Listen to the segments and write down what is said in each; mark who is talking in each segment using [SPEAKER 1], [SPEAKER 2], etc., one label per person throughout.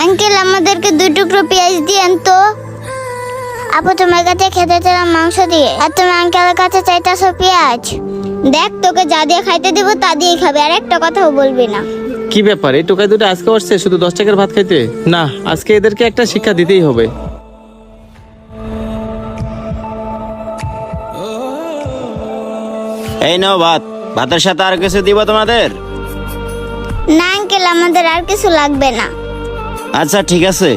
[SPEAKER 1] Uncle আমাদেরকে 2 টুকরো পেঁয়াজ দিয়েন তো। আপু তোমার কাছে খেতে চাইলাম মাংস দিয়ে, আর তুমি আঙ্কেলের কাছে চাইতেছো পেঁয়াজ। দেখ তোকে যা দিয়ে খাইতে দেবো তা দিয়েই খাবে, আর একটা কথাও বলবি না।
[SPEAKER 2] কি ব্যাপার, এই টোকাই দুটো আজকে আসছে শুধু 10 টাকার ভাত খাইতে? না, আজকে এদেরকে একটা শিক্ষা দিতেই হবে।
[SPEAKER 3] এই নাও ভাত, ভাতের সাথে আর কিছু দিব তোমাদের?
[SPEAKER 1] না আঙ্কেল, আমাদের আর কিছু লাগবে না।
[SPEAKER 3] আচ্ছা ঠিক আছে।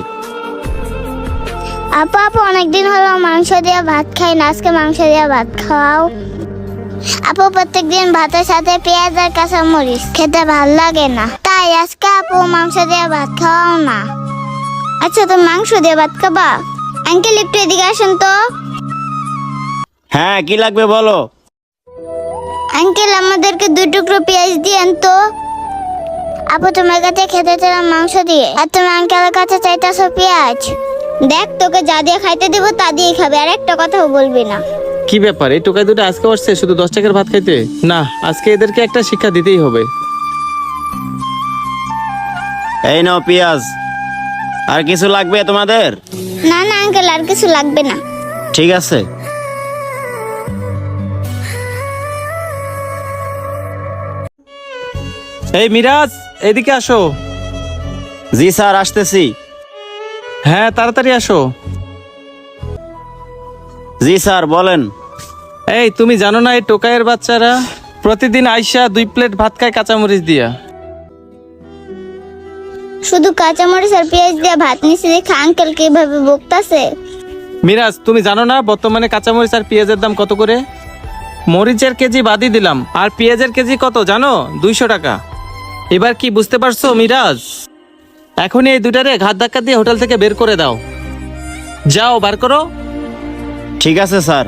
[SPEAKER 1] আপু অনেকদিন হলো মাংস দিয়ে ভাত খাই না, আজকে মাংস দিয়ে ভাত খাও। আপু প্রত্যেকদিন ভাতের সাথে পেঁয়াজ আর কাঁচামরিচ খেতে ভাল লাগে না, তাই আজকে আপু মাংস দিয়ে ভাত খাওয়াও না। আচ্ছা তুমি মাংস দিয়ে ভাত খাবা? আঙ্কেল একটু এদিকে আসেন তো।
[SPEAKER 3] হ্যাঁ, কি লাগবে বলো।
[SPEAKER 1] আঙ্কেল আমাদেরকে 2 টুকরো পেঁয়াজ দিয়েন তো। আপু তোমার কাছে খেতে চাইলাম মাংস দিয়ে, আর তুমি আঙ্কেলের কাছে চাইতেছো পেঁয়াজ। দেখ তোকে যা দিয়ে খাইতে দেবো তা দিয়েই খাবে, আর একটা কথাও বলবি না।
[SPEAKER 2] কি ব্যাপার, এই টোকাই দুটো আজকে আসছে শুধু 10 টাকার ভাত খাইতে? না, আজকে এদেরকে একটা শিক্ষা দিতেই হবে।
[SPEAKER 3] এই নাও পেঁয়াজ। আর কিছু লাগবে তোমাদের?
[SPEAKER 1] না না আঙ্কেল, আর কিছু লাগবে না।
[SPEAKER 3] ঠিক আছে।
[SPEAKER 2] এই মিরাজ, এদিকে আসো।
[SPEAKER 3] জি স্যার, আসতেছি।
[SPEAKER 2] হ্যাঁ, তাড়াতাড়ি আসো।
[SPEAKER 3] জি স্যার, বলেন।
[SPEAKER 2] এই তুমি জানো না এই টোকাইয়ের বাচ্চারা প্রতিদিন আইসা 2 প্লেট ভাত খায় কাঁচামরিচ দিয়া?
[SPEAKER 1] শুধু কাঁচামরিচ আর পেঁয়াজ দিয়ে ভাত নিচে দেখে আঙ্কেল কিভাবে বকতাছে।
[SPEAKER 2] মিরাজ, তুমি জানো না বর্তমানে কাঁচামরিচ আর পেঁয়াজের দাম কত করে? মরিচের কেজি বাদই দিলাম, আর পেঁয়াজের কেজি কত জানো? 200 টাকা। এবার কি বুঝতে পারছো মিরাজ? এখনই এই দুটারে ঘাত ধাক্কা দিয়ে হোটেল থেকে বের করে দাও। যাও, বার করো।
[SPEAKER 3] ঠিক আছে স্যার।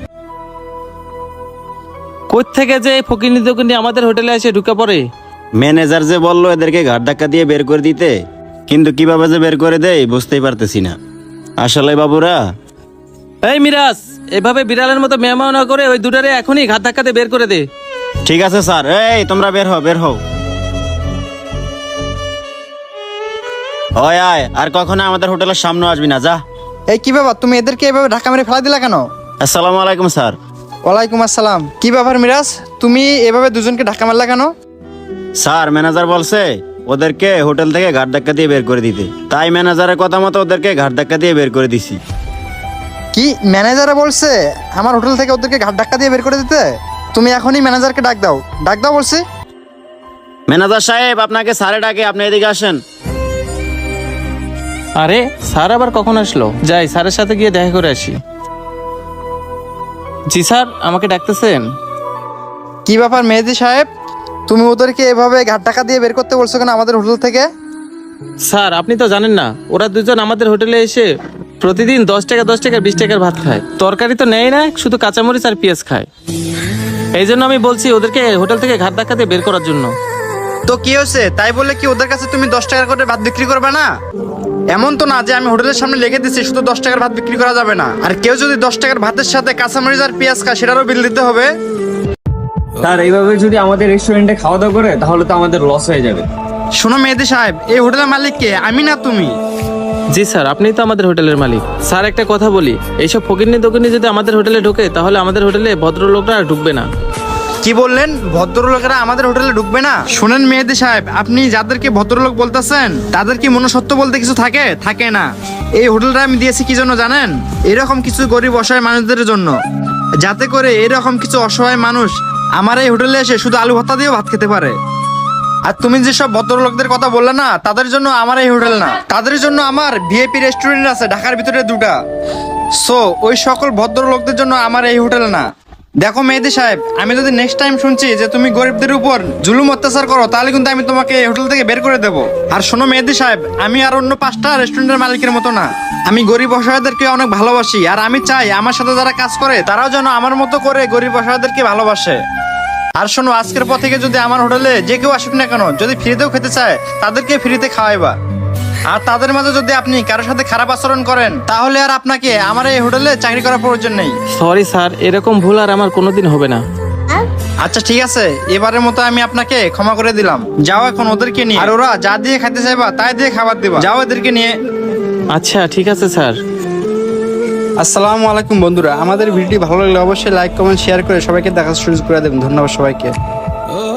[SPEAKER 2] কই থেকে যে এই ফকিনি দোকানি আমাদের হোটেলে এসে ঢুকে পড়ে।
[SPEAKER 3] ম্যানেজার যে বললো এদেরকে ঘাট ধাক্কা দিয়ে বের করে দিতে, কিন্তু কিভাবে যে বের করে দেয় বুঝতেই পারতেছি না। আসলে বাবুরা।
[SPEAKER 2] এই মিরাজ, এভাবে বিড়ালের মতো মেহমান না করে ওই দুটারে এখনই ঘাত ধাক্কাতে বের করে দে।
[SPEAKER 3] ঠিক আছে স্যার। এই তোমরা বের হও, বের হও। হয় আয়, আর কখনো আমাদের হোটেলের সামনে আসবি না, যা।
[SPEAKER 4] এই কি ব্যাপার, তুমি এদেরকে এভাবে ঢাকা মেরে ফেলা দিলা কেন?
[SPEAKER 3] আসসালামু আলাইকুম স্যার।
[SPEAKER 4] ওয়ালাইকুম আসসালাম। কি ব্যাপার মিরাজ, তুমি এভাবে দুজনকে ঢাকা মারলা কেন?
[SPEAKER 3] স্যার, ম্যানেজার বলছে ওদেরকে হোটেল থেকে ঘাট ধাক্কা দিয়ে বের করে দিতে, তাই ম্যানেজারের কথা মতো ওদেরকে ঘাট ধাক্কা দিয়ে বের করে দিছি।
[SPEAKER 4] কি ম্যানেজারে বলছে আমার হোটেল থেকে ওদেরকে ঘাট ধাক্কা দিয়ে বের করে দিতে? তুমি এখনই ম্যানেজারকে ডাক দাও, ডাক দাও বলছি।
[SPEAKER 3] ম্যানেজার সাহেব, আপনাকে স্যারে ডাকে, আপনি এদিকে আসেন।
[SPEAKER 2] আরে স্যার আবার কখন আসলো? যাই স্যারের সাথে গিয়ে দেখা করে আসি। জি স্যার, আমাকে ডাকতেছেন?
[SPEAKER 4] কি ব্যাপার মেহেদি সাহেব, তুমি ওদেরকে এভাবে ঘাট ধাক্কা দিয়ে বের করতে বলছো কেন আমাদের হোটেল থেকে?
[SPEAKER 2] স্যার আপনি তো জানেন না, ওরা দুজন আমাদের হোটেলে এসে প্রতিদিন 10 টাকা 10 টাকা 20 টাকার ভাত খায়। তরকারি তো নেয় না, শুধু কাঁচামরিচ আর পেঁয়াজ খায়। এই জন্য আমি বলছি ওদেরকে হোটেল থেকে ঘাট ধাক্কা দিয়ে বের করার জন্য।
[SPEAKER 4] তো কি হয়েছে, তাই বলে কি ওদের কাছে তুমি 10 টাকা করে ভাত বিক্রি করবে না? এমন তো না যে আমি হোটেলের সামনে লিখে দিচ্ছি শুধু 10 টাকার ভাত বিক্রি করা যাবে না, আর কেউ যদি 10 টাকার ভাতের সাথে কাঁচামরিচ আর পেঁয়াজ খায় সেটারও বিল দিতে হবে।
[SPEAKER 5] স্যার, এইভাবে যদি আমাদের রেস্টুরেন্টে খাওয়া দাওয়া করে তাহলে তো আমাদের লস হয়ে যাবে।
[SPEAKER 4] শোনো মেহেদি সাহেব, এই হোটেলের মালিক কে, আমি না তুমি?
[SPEAKER 2] জি স্যার, আপনিই তো আমাদের হোটেলের মালিক। স্যার একটা কথা বলি, এইসব ফকিরনি দোকানি যদি আমাদের হোটেলে ঢোকে তাহলে আমাদের হোটেলে ভদ্রলোকরা আর ঢুকবে না।
[SPEAKER 4] কি বললেন, ভদ্রলোকেরা আমাদের হোটেলে ঢুকবে না? শুনেন মেহেদি সাহেব, আপনি যাদেরকে ভদ্রলোক বলতেছেন তাদের কি মনুষ্যত্ব বলতে কিছু থাকে? থাকে না। এই হোটেলটা আমি দিয়েছি কি জন্য জানেন? এরকম কিছু গরিব অসহায় মানুষদের জন্য, যাতে করে এরকম কিছু অসহায় মানুষ আমার এই হোটেলে এসে শুধু আলু ভর্তা দিয়েও ভাত খেতে পারে। আর তুমি যেসব ভদ্রলোকদের কথা বললে না, তাদের জন্য আমার এই হোটেল না, তাদের জন্য আমার ভিআইপি রেস্টুরেন্ট আছে ঢাকার ভিতরে 2টা। সো ওই সকল ভদ্রলোকদের জন্য আমার এই হোটেল না। দেখো মেহেদি সাহেব, আমি যদি নেক্সট টাইম শুনছি যে তুমি গরিবদের উপর জুলুম অত্যাচার করো তাহলে কিন্তু আমি তোমাকে এই হোটেল থেকে বের করে দেবো। আর শোনো মেহেদি সাহেব, আমি আর অন্য 5টা রেস্টুরেন্টের মালিকের মতো না। আমি গরিব অসহায়দেরকে অনেক ভালোবাসি, আর আমি চাই আমার সাথে যারা কাজ করে তারাও যেন আমার মতো করে গরিব অসহায়দেরকে ভালোবাসে। আর শোনো, আজকের পর থেকে যদি আমার হোটেলে যে কেউ আসুক না কেন, যদি ফ্রিতেও খেতে চায় তাদেরকে ফ্রিতে খাওয়াইবা। আর তাদের মাঝে যদি আপনি কারোর সাথে খারাপ আচরণ করেন তাহলে আর আপনাকে আমার এই হোটেলে চাকরি করার প্রয়োজন নেই।
[SPEAKER 2] সরি স্যার, এরকম ভুল আর আমার কোনোদিন হবে না।
[SPEAKER 4] আচ্ছা ঠিক আছে, এবারের মতো আমি আপনাকে ক্ষমা করে দিলাম। যাও এখন ওদেরকে নিয়ে, আর ওরা যা দিয়ে খাইতে চাইবা তাই দিয়ে খাবার দিবা। যাও এদেরকে নিয়ে।
[SPEAKER 2] আচ্ছা ঠিক আছে স্যার।
[SPEAKER 4] আসসালামু আলাইকুম বন্ধুরা, আমাদের ভিডিওটি ভালো লাগলে অবশ্যই লাইক কমেন্ট শেয়ার করে সবাইকে দেখার সুযোগ করে দেবেন। ধন্যবাদ সবাইকে।